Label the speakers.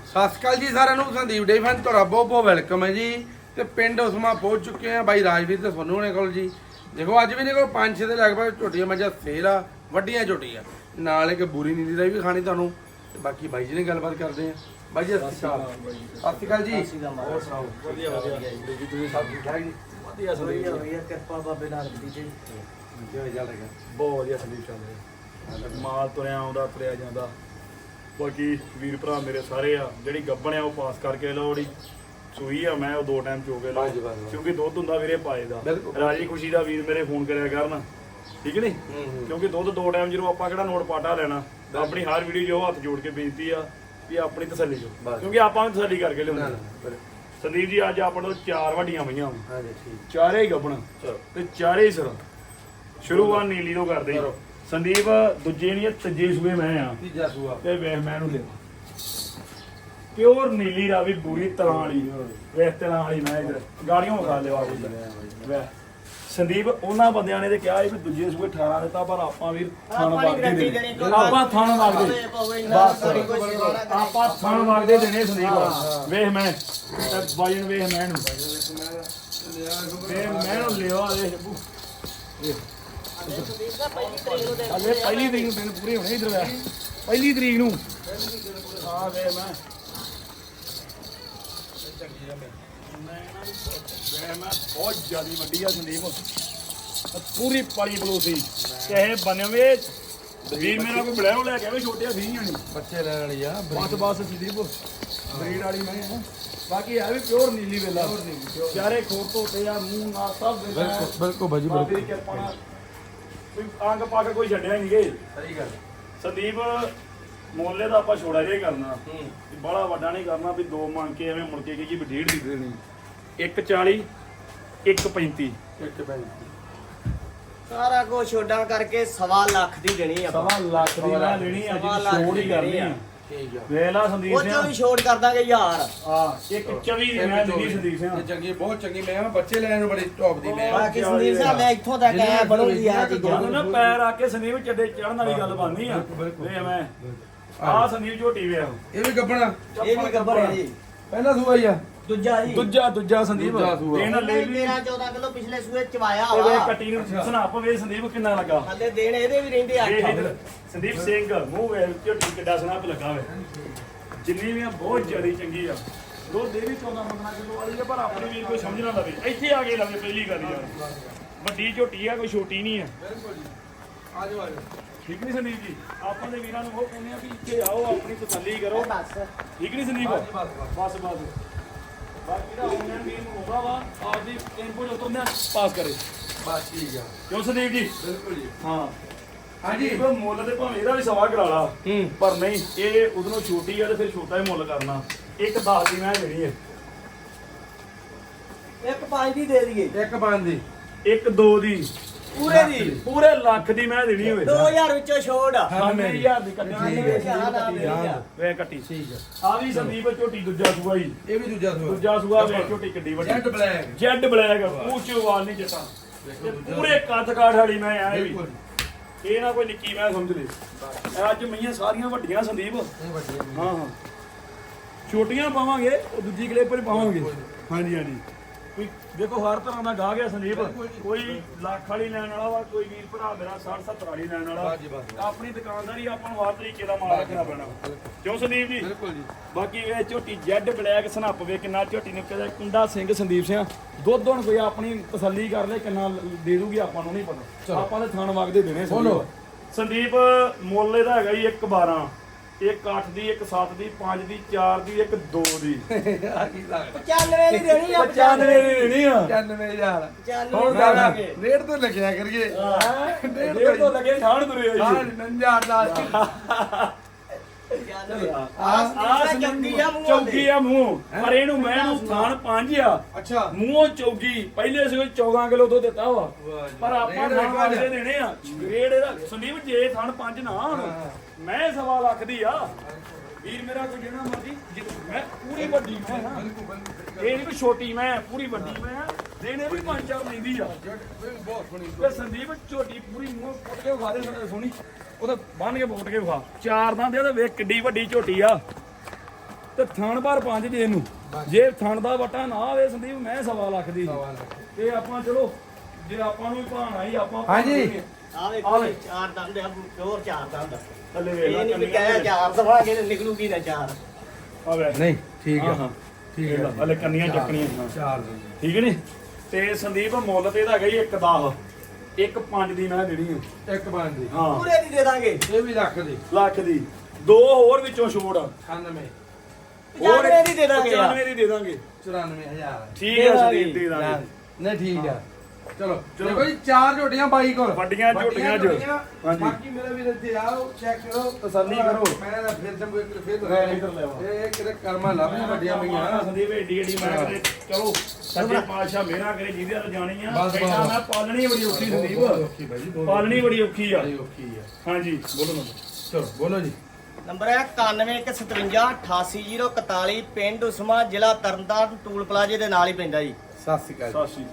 Speaker 1: ਸਤਿ ਸ਼੍ਰੀ ਅਕਾਲ ਜੀ ਸਾਰਿਆਂ ਨੂੰ। ਸੰਦੀਪ ਡੇਅਰੀ ਫਾਰਮ ਤੁਹਾਡਾ ਬਹੁਤ ਬਹੁਤ ਵੈਲਕਮ ਹੈ ਜੀ। ਤੇ ਪਿੰਡ ਉਸਮਾ ਪਹੁੰਚ ਚੁੱਕੇ ਆ ਬਾਈ ਰਾਜਵੀਰ ਤੇ ਸੋਨੂ ਹੋਣੇ ਕੋਲ ਜੀ। ਦੇਖੋ ਅੱਜ ਵੀ ਨੇ ਕੋਲ 5-6 ਦੇ ਲਗਭਗ ਝੋਟੀਆਂ ਮੱਝਾਂ ਸੇਲ ਆ, ਵੱਡੀਆਂ ਝੋਟੀਆਂ ਨਾਲ ਇੱਕ ਬੂਰੀ ਨੀਲੀ ਦਾ ਵੀ ਖਾਣੀ ਤੁਹਾਨੂੰ। ਤੇ ਬਾਕੀ ਬਾਈ ਜੀ ਨੇ ਗੱਲਬਾਤ ਕਰਦੇ ਆ। ਬਾਈ ਜੀ ਸਤਿ ਸ਼੍ਰੀ ਅਕਾਲ ਜੀ। ਹੋਰ ਸੁਣਾਓ?
Speaker 2: ਵਧੀਆ ਵਧੀਆ ਜੀ।
Speaker 1: ਤੁਸੀਂ ਸਭ ਠੀਕ ਠਾਕ ਜੀ?
Speaker 2: ਵਧੀਆ ਸੰਦੀਪ ਵਧੀਆ ਕਿਰਪਾ ਬਾਬੇ ਨਾਨਕ ਦੀ ਜੀ। ਬਹੁਤ ਵਧੀਆ ਸੰਦੀਪ ਚੱਲ ਰਿਹਾ। ਮਾਲ ਤੁਰਿਆ ਆਉਂਦਾ ਤੁਰਿਆ ਜਾਂਦਾ। ਬਾਕੀ ਵੀਰ ਭਰਾ ਮੇਰੇ ਸਾਰੇ ਆ ਜਿਹੜੀ ਗੱਬਣ ਆ ਉਹ ਪਾਸ ਕਰਕੇ ਲਓ। ਜਿਹੜੀ ਸੂਈ ਆ ਮੈਂ ਉਹ 2 ਟਾਈਮ ਚੋ ਕੇ ਲਓ ਕਿਉਂਕਿ ਦੁੱਧ ਹੁੰਦਾ ਵੀਰੇ ਪਾਏ ਦਾ। ਰਾਜੀ ਖੁਸ਼ੀ ਦਾ ਵੀਰ ਮੇਰੇ ਫੋਨ ਕਰਿਆ ਕਰਨ, ਠੀਕ ਨਹੀਂ? ਕਿਉਂਕਿ ਦੁੱਧ 2 ਟਾਈਮ ਜਦੋਂ ਆਪਾਂ ਕਿਹੜਾ ਨੋਟ ਪਾਟਾ ਲੈਣਾ। ਆਪਣੀ ਹਰ ਵੀਡੀਓ ਜੋ ਹੱਥ ਜੋੜ ਕੇ ਬੇਨਤੀ ਆ ਵੀ ਆਪਣੀ ਤਸੱਲੀ ਜੋ, ਕਿਉਂਕਿ ਆਪਾਂ ਵੀ ਤਸੱਲੀ ਕਰਕੇ ਲਿਆਉਂਦੇ। ਸੰਦੀਪ ਜੀ ਅੱਜ ਆਪਾਂ ਨੂੰ 4 ਵੱਡੀਆਂ ਪਈਆਂ, ਚਾਰੇ ਹੀ ਗੱਬਣ ਤੇ ਚਾਰੇ ਹੀ ਸਿਰ। ਸ਼ੁਰੂਆਤ ਨੀਲੀ ਤੋਂ ਕਰਦੇ ਸੰਦੀਪ। ਦੂਜੇ ਨਹੀਂ ਤੀਜੇ ਸੂਏ ਮੈਂ ਆ,
Speaker 1: ਤੀਜਾ ਸੂਆ
Speaker 2: ਤੇ ਵੇਖ ਮੈਂ ਇਹਨੂੰ ਲਿਆ ਪਿਓਰ ਨੀਲੀ ਰਾਵੀ ਬੂਰੀ ਤਲਾਂ ਵਾਲੀ। ਵੇਖ ਤਲਾਂ ਵਾਲੀ ਮੈਂ ਇਧਰ ਗਾੜੀਆਂ ਖਾ ਲਿਆ ਵੇਖ ਸੰਦੀਪ। ਉਹਨਾਂ ਬੰਦਿਆਂ ਨੇ ਤੇ ਕਿਹਾ ਵੀ ਦੂਜੇ ਸੂਏ 18 ਦਿੱਤਾ, ਪਰ ਆਪਾਂ ਵੀਰ ਥਣ ਵਗਦੇ ਦੇਣੇ। ਆਪਾਂ ਥਣ ਵਗਦੇ ਆਪਾਂ ਥਣ ਵਗਦੇ ਦੇਣੇ ਸੰਦੀਪ। ਵੇਖ ਮੈਂ ਵਜਨ ਵੇਖ ਮੈਂ ਇਹਨੂੰ ਵੇਖ ਮੈਂ ਇਹਨੂੰ ਲਿਆ ਵੇਖ ਅਲੇ ਪਹਿਲੀ ਤਰੀਕ ਨੂੰ ਦਿਨ ਪੂਰੇ ਹੋਣੇ ਇਧਰ ਵੇ। ਪਹਿਲੀ ਤਰੀਕ ਨੂੰ ਆ ਵੇ ਮੈਂ ਬਹੁਤ ਜ਼ਿਆਦੀ ਵੱਡੀ ਆ ਸੰਦੀਪ। ਪੂਰੀ ਪਾਲੀ ਬਲੂਸੀ ਚਾਹੇ ਬਣਵੇ ਵੀਰ ਮੇਰਾ ਕੋਈ ਬਲੈਰੋ ਲੈ ਕੇ ਆਵੇ। ਛੋਟੇ 20 ਨਹੀਂ
Speaker 1: ਬੱਚੇ ਲੈਣ ਵਾਲੀ ਆ
Speaker 2: ਬਸ ਸੰਦੀਪ ਬਰੀਡ ਵਾਲੀ ਮੈਂ। ਬਾਕੀ ਆ ਵੀ ਪਿਓਰ ਨੀਲੀ ਵੇਲਾ ਚਾਰੇ ਖੋਰ ਧੋਤੇ ਆ ਮੂੰਹ ਨਾਲ ਸਭ
Speaker 1: ਬਿਲਕੁਲ ਬਾਜੀ
Speaker 2: ਬਾਬੇ ਦੀ ਕਿਰਪਾ ਨਾਲ ਕੋਈ ਅੰਗ ਪੱਗ ਕੋਈ ਛੱਡਿਆ ਨਹੀਂ ਗੇ।
Speaker 1: ਸਹੀ ਗੱਲ
Speaker 2: ਸੰਦੀਪ ਮੋਲੇ ਦਾ ਆਪਾਂ ਛੋੜਾ ਜਿਹਾ ਕਰਨਾ, ਬੜਾ ਵੱਡਾ ਨਹੀਂ ਕਰਨਾ ਵੀ 2 ਮੰਗ ਕੇ ਐਵੇਂ ਮੁੜ ਕੇ ਕੀ ਵੀ 1.5 ਦੀ ਦੇਣੀ। 140 135
Speaker 3: ਸਾਰਾ ਕੁਝ ਛੋਡਾਂ ਕਰਕੇ 1.25 ਲੱਖ ਦੀ ਦੇਣੀ ਆ।
Speaker 2: 1.25 ਲੱਖ ਦੀ ਮੈਂ ਲੈਣੀ ਅੱਜ ਛੋੜ ਹੀ ਕਰਨੀ ਆ।
Speaker 1: ਠੀਕ ਆ।
Speaker 2: ਵੇਖ ਲਾ ਸੰਦੀਪ
Speaker 3: ਉਹ
Speaker 2: ਸਿੰਘ
Speaker 3: ਚੋਂ ਵੀ ਛੋੜ ਕਰ ਦਾਂਗੇ ਯਾਰ।
Speaker 2: ਹਾਂ 124 ਦੀ ਮੈਂ ਦੇਣੀ ਸੰਦੀਪ ਸਿੰਘ।
Speaker 1: ਚੰਗੀ ਬਹੁਤ ਚੰਗੀ ਮੈਂ ਬੱਚੇ ਲੈਣ ਨੂੰ ਬੜੀ ਟੌਪ ਦੀ ਮੈਂ
Speaker 3: ਬਾਕੀ ਸੰਦੀਪ ਸਾਹਿਬ ਮੈਂ ਇੱਥੋਂ ਤੱਕ ਆਇਆ ਬਣੂਗੀ ਆ ਚੀਜ਼ਾਂ।
Speaker 2: ਜਦੋਂ ਨਾ ਪੈਰ ਆ ਕੇ ਸੰਦੀਪ ਚੱਡੇ ਚੜਨ ਵਾਲੀ ਗੱਲ ਬਣਨੀ ਆ। ਵੇ ਮੈਂ ਆ ਸੰਦੀਪ ਝੋਟੀ ਵੇ
Speaker 1: ਇਹ ਵੀ ਗੱਬਣਾ
Speaker 3: ਇਹ ਵੀ ਗੱਬਰ ਹੈ ਜੀ।
Speaker 1: ਪਹਿਲਾ ਸੂਆ ਹੀ ਆ।
Speaker 3: ਦੂਜਾ ਜੀ
Speaker 2: ਦੂਜਾ ਸੰਦੀਪ
Speaker 1: ਦੂਜਾ ਸੂਆ।
Speaker 2: ਦੇਣ ਲੈ ਵੀ
Speaker 3: 13-14 ਕਿਲੋ ਪਿਛਲੇ ਸੂਏ ਚਵਾਇਆ
Speaker 2: ਇਹ
Speaker 3: ਵਾ।
Speaker 2: ਕੱਟੀ ਨੂੰ ਸਨਾਪ ਵੇ ਸੰਦੀਪ ਕਿੰਨਾ ਲੱਗਾ।
Speaker 3: ਹਲੇ ਦੇਣ ਇਹਦੇ ਵੀ ਰਹਿੰਦੇ
Speaker 2: ਇਹ
Speaker 3: 8।
Speaker 2: ਸੰਦੀਪ ਸਿੰਘ ਮੂੰਹ ਵੇ ਝੋਟੀ ਕਿੱਡਾ ਸਨਾਪ ਲੱਗਾ ਵੇ। ਜਿੰਨੀ ਵੀ ਆ ਬਹੁਤ ਜ਼ਿਆਦਾ ਚੰਗੀ ਆ। ਦੁੱਧ ਦੇ ਵੀ 14-15 ਕਿਲੋ ਵਾਲੀ ਆ, ਪਰ ਆਪਣੀ ਵੀਰ ਕੋਈ ਸਮਝ ਨਾ ਲਵੇ। ਇੱਥੇ ਆ ਕੇ ਲਵੇ ਪਹਿਲੀ ਗੱਲ ਯਾਰ। ਵੱਡੀ ਝੋਟੀ ਆ ਕੋਈ ਛੋਟੀ ਨਹੀਂ ਆ।
Speaker 1: ਬਿਲਕੁਲ ਜੀ। ਆਜੋ ਆਜੋ।
Speaker 2: ਠੀਕ ਨਹੀਂ ਸੰਦੀਪ ਜੀ? ਆਪਾਂ ਦੇ ਵੀਰਾਂ ਨੂੰ ਉਹ ਕਹਿੰਦੇ ਆ ਵੀ ਇੱਥੇ ਆਓ ਆਪਣੀ ਤਸੱਲੀ ਕਰੋ।
Speaker 3: ਬਸ
Speaker 2: ਠੀਕ ਨਹੀਂ ਸੰਦੀਪ? ਬਸ ਬਾਕੀ ਦਾ ਆਨਲਾਈਨ ਵੀਰ ਨੂੰ ਹੋਗਾ ਵਾ ਆਪਦੀ ਇਨਪੁਟ ਉਤੋਂ ਪਾਸ ਕਰੇ
Speaker 1: ਬਸ ਠੀਕ ਆ।
Speaker 2: ਕਿਉਂ ਸੰਦੀਪ ਜੀ?
Speaker 1: ਬਿਲਕੁਲ ਜੀ।
Speaker 2: ਹਾਂ
Speaker 1: ਹਾਂਜੀ।
Speaker 2: ਮੁੱਲ ਤੇ ਭਾਵੇਂ ਇਹਦਾ ਵੀ ਸਵਾ ਕਰਾ ਲਾ, ਪਰ ਨਹੀਂ ਇਹ ਉਧਰੋਂ ਛੋਟੀ ਆ ਤੇ ਫਿਰ ਛੋਟਾ ਹੀ ਮੁੱਲ ਕਰਨਾ। 1.10 ਦੀ ਮੈਂ ਦੇਣੀ ਹੈ।
Speaker 3: 1.5 ਦੀ ਦੇ ਦਈਏ।
Speaker 1: ਇੱਕ ਬੰਦ ਦੀ
Speaker 2: 1.2 ਦੀ
Speaker 3: ਪੂਰੇ ਦੀ
Speaker 2: ਪੂਰੇ ਲੱਖ ਦੀ ਮੈਂ ਦੇਣੀ ਹੋਵੇ।
Speaker 3: 2000 ਵਿੱਚੋਂ ਛੋੜ।
Speaker 2: 9000 ਦੀ ਕੱਟੀ ਵੇ ਕੱਟੀ।
Speaker 1: ਠੀਕ ਆ।
Speaker 2: ਆ ਵੀ ਸੰਦੀਪ ਝੋਟੀ ਦੂਜਾ ਸੂਆ ਹੀ।
Speaker 1: ਇਹ ਵੀ ਦੂਜਾ ਸੂਆ।
Speaker 2: ਦੂਜਾ ਸੂਆ ਵੇ ਝੋਟੀ ਕਿੱਡੀ ਵੱਡੀ।
Speaker 1: Jet black.
Speaker 2: ਜੈਡ ਬਲੈਕ ਉੱਚੋ ਵਾਲ ਨਹੀਂ ਜੱਟਾ ਤੇ ਪੂਰੇ ਕੱਦ ਕਾਠ ਵਾਲੀ ਮੈਂ ਆ ਵੀ। ਇਹ ਨਾ ਕੋਈ ਨਿੱਕੀ ਮੈਂ ਸਮਝ ਲਈ। ਅੱਜ ਮਈਆਂ ਸਾਰੀਆਂ ਵੱਡੀਆਂ ਸੰਦੀਪ।
Speaker 1: ਇਹ ਵੱਡੀ ਆ।
Speaker 2: ਹਾਂ ਛੋਟੀਆਂ ਪਾਵਾਂਗੇ ਉਹ ਦੂਜੀ ਕਲਿੱਪ ਪਰ ਪਾਵਾਂਗੇ। ਹਾਂਜੀ ਕੋਈ ਦੇਖੋ ਹਰ ਤਰ੍ਹਾਂ ਦਾ ਗਾਹ ਗਿਆ ਸੰਦੀਪ। ਕੋਈ ਲੱਖ ਵਾਲੀ ਲੈਣ ਵਾਲਾ ਵਾ, ਕੋਈ ਵੀਰ ਭਰਾ ਮੇਰਾ 60-70 ਵਾਲੀ ਲੈਣ ਵਾਲਾ। ਆਪਣੀ ਦੁਕਾਨਦਾਰੀ ਆਪਾਂ ਨੂੰ ਹਰ ਤਰੀਕੇ ਦਾ ਮਾਲ ਰੱਖਣਾ ਪੈਣਾ। ਕਿਉਂ ਸੰਦੀਪ ਜੀ?
Speaker 1: ਬਿਲਕੁਲ ਜੀ।
Speaker 2: ਬਾਕੀ ਇਹ ਝੋਟੀ ਜੈਡ ਬਲੈਕ ਸਨੱਪ ਵੇ ਕਿੰਨਾ ਝੋਟੀ ਨੇ ਕਿਹਦਾ ਕੁੰਡਾ ਸਿੰਘ ਸੰਦੀਪ ਸਿੰਘ। ਦੁੱਧ ਹੁਣ ਕੋਈ ਆਪਣੀ ਤਸੱਲੀ ਕਰ ਲੈ ਕਿੰਨਾ ਦੇ ਦੂਗੀ ਆਪਾਂ ਨੂੰ ਨਹੀਂ ਪਤਾ। ਆਪਾਂ ਦੇ ਥਣ ਵਗਦੇ ਦੇਣੇ ਸੰਦੀਪ। ਮੁੱਲ ਇਹਦਾ ਹੈਗਾ ਜੀ 1.12 1.8 ਦੀ 1.7 ਦੀ 5 ਦੀ 4 ਦੀ 1.2 ਦੀ।
Speaker 1: ਆ ਕੀ ਲੱਗਦਾ?
Speaker 3: 95 ਦੀ ਦੇਣੀ ਆ।
Speaker 2: 95 ਦੀ ਦੇਣੀ ਆ।
Speaker 1: 95000
Speaker 3: ਹੁਣ ਦਾਂਗੇ।
Speaker 1: ਰੇਟ ਤੋਂ ਲਿਖਿਆ ਕਰੀਏ।
Speaker 2: ਡੇਢ ਤੋਂ ਲੱਗੇ ਛਾਣ ਤੁਰੇ ਆ
Speaker 1: ਹਾਂ
Speaker 2: ਜੀ।
Speaker 1: 95000 ਦਾ
Speaker 2: ਚੌਗੀ ਆ ਮੂੰਹ, ਪਰ ਇਹਨੂੰ ਮੈਂ ਨੂੰ ਥਾਣ 5 ਆ।
Speaker 1: ਅੱਛਾ।
Speaker 2: ਮੂੰਹੋਂ ਚੌਗੀ ਪਹਿਲੇ ਸੀ 14 ਕਿਲੋ ਦੁੱਧ ਦਿੱਤਾ ਵਾ, ਪਰ ਆਪਾਂ ਥਾਣ ਵਾਲੇ ਦੇਣੇ ਆ। ਗ੍ਰੇਡ ਇਹਦਾ ਸੰਦੀਪ ਜੇ ਥਾਣ 5 ਨਾ ਹੁਣ ਮੈਂ 1.25 ਲੱਖ ਦੀ ਆ। ਵੀਰ ਮੇਰਾ ਕੋਈ ਜਿਹੜਾ ਮਰਜੀ ਮੈਂ ਪੂਰੀ ਵੱਡੀ ਮੈਂ ਹਾਂ। ਇਹ ਨਹੀਂ ਕੋਈ ਛੋਟੀ ਮੈਂ ਪੂਰੀ ਵੱਡੀ ਮੈਂ ਆ। ਦੇਣੇ ਵੀ 5-4 ਲੈਂਦੀ ਆ।
Speaker 1: ਬਹੁਤ ਸੋਹਣੀ।
Speaker 2: ਤੇ ਸੰਦੀਪ ਝੋਟੀ ਪੂਰੀ ਮੂੰਹ ਫੁੱਟ ਕੇ ਵਿਖਾ ਦੇ ਸੋਹਣੀ। ਉਹਦਾ ਬੰਨ ਕੇ ਫੁੱਟ ਕੇ ਵਿਖਾ। 4 ਦੰਦ ਇਹਦੇ ਵੇਖ ਕਿੱਡੀ ਵੱਡੀ ਝੋਟੀ ਆ। ਤੇ ਥਣ ਭਰ 5 ਜੇ ਇਹਨੂੰ ਜੇ ਥਣ ਦਾ ਵਟਾ ਨਾ ਆਵੇ ਸੰਦੀਪ ਮੈਂ 1.5 ਲੱਖ ਦੀ ਤੇ ਆਪਾਂ ਚਲੋ ਜੇ ਆਪਾਂ ਨੂੰ ਵੀ ਭਾਣਾ ਹੀ ਆਪਾਂ
Speaker 1: ਹਾਂਜੀ।
Speaker 3: ਆ ਵੇਖੋ ਜੀ, ਚਾਰ ਦੰਦ ਆ ਪਿਓਰ ਚਾਰ ਦੰਦ
Speaker 2: ਥੱਲੇ ਵੇਖ
Speaker 3: ਇਹ
Speaker 2: ਲੈ
Speaker 3: ਨਹੀਂ ਵੀ ਕਹਿਆ ਚਾਰ ਦਵਾਂਗੇ ਤੇ ਨਿਕਲੂਗੀ ਨਾ ਚਾਰ
Speaker 2: ਆ ਵੇ
Speaker 1: ਨਹੀਂ ਠੀਕ
Speaker 2: ਹਾਂ
Speaker 1: ਆ
Speaker 2: ਹਾਂ
Speaker 1: ਠੀਕ ਹੈ
Speaker 2: ਹਲੇ ਕੰਨੀਆਂ ਚੱਕਣੀਆਂ ਹਾਂ।
Speaker 1: ਚਾਰ
Speaker 2: ਠੀਕ ਨੀ ਤੇ ਸੰਦੀਪ ਮੁੱਲ ਤੇ ਇਹਦਾ ਹੈਗਾ ਜੀ 1.10 1.5 ਦੀ ਮੈਂ ਦੇਣੀ ਆ
Speaker 1: ਇੱਕ ਬਣ ਦੀ
Speaker 2: ਹਾਂ
Speaker 3: ਪੂਰੇ ਦੀ ਦੇ ਦਾਂਗੇ
Speaker 1: ਇਹ ਵੀ ਲੱਖ ਦੀ
Speaker 2: ਲੱਖ ਦੀ ਦੋ ਹੋਰ ਵਿੱਚੋਂ ਛੋੜ
Speaker 1: 98
Speaker 3: 95 ਦੀ ਦੇ ਦਾਂਗੇ ਯਾਰ।
Speaker 2: 95 ਦੀ ਦੇ ਦਾਂਗੇ
Speaker 1: 94000
Speaker 2: ਠੀਕ ਹੈ ਸੰਦੀਪ ਦੇ ਦਾਂਗੇ
Speaker 1: ਨਹੀਂ ਠੀਕ ਆ ਚਲੋ ਦੇਖੋ ਜੀ ਚਾਰ ਝੋਟੀਆਂ ਬਾਈ ਕੋਲ
Speaker 2: ਵੱਡੀਆਂ ਝੋਟੀਆਂ ਚ। ਹਾਂਜੀ।
Speaker 1: ਬਾਕੀ ਮੇਰੇ ਵੀਰ ਇੱਥੇ ਆਓ ਚੈੱਕ ਕਰੋ
Speaker 2: ਤਸੱਲੀ ਕਰੋ।
Speaker 1: ਮੈਂ ਤਾਂ ਫਿਰ ਜੰਬੂ ਇੱਕ ਫਿਰ
Speaker 2: ਇੱਧਰ ਲੈ ਆਓ।
Speaker 1: ਇਹ ਕਿਤੇ ਕਰਮਾਂ ਲੱਭੀਆਂ ਵੱਡੀਆਂ ਪਈਆਂ
Speaker 2: ਸੰਦੀਪ ਏਡੀ ਏਡੀ ਮੈਂ ਕਰੇ ਚਲੋ ਸੱਚੇ ਪਾਤਸ਼ਾਹ ਮੇਰਾ ਕਰੇ ਜਿਹਦੇ ਨਾਲ ਜਾਣੀ ਆ
Speaker 1: ਬਸ, ਬਸ।
Speaker 2: ਕਹਿੰਦਾ ਮੈਂ ਪਾਲਣੀ ਬੜੀ ਔਖੀ ਸੰਦੀਪ
Speaker 1: ਔਖੀ ਬਾਈ ਜੀ
Speaker 2: ਪਾਲਣੀ ਬੜੀ ਔਖੀ ਆ
Speaker 1: ਬੜੀ ਔਖੀ ਆ
Speaker 2: ਹਾਂਜੀ ਬੋਲੋ ਨਾ
Speaker 1: ਚਲੋ ਬੋਲੋ ਜੀ
Speaker 3: ਨੰਬਰ ਹੈ 9157 88041 ਪਿੰਡ ਉਸਮਾ ਜ਼ਿਲ੍ਹਾ ਤਰਨਤਾਰਨ ਟੂਲ ਪਲਾਜ਼ੇ ਦੇ ਨਾਲ ਹੀ ਪੈਂਦਾ ਜੀ
Speaker 1: ਸਤਿ ਸ਼੍ਰੀ ਅਕਾਲ
Speaker 2: ਸਤਿ ਸ਼੍ਰੀ ਅਕਾਲ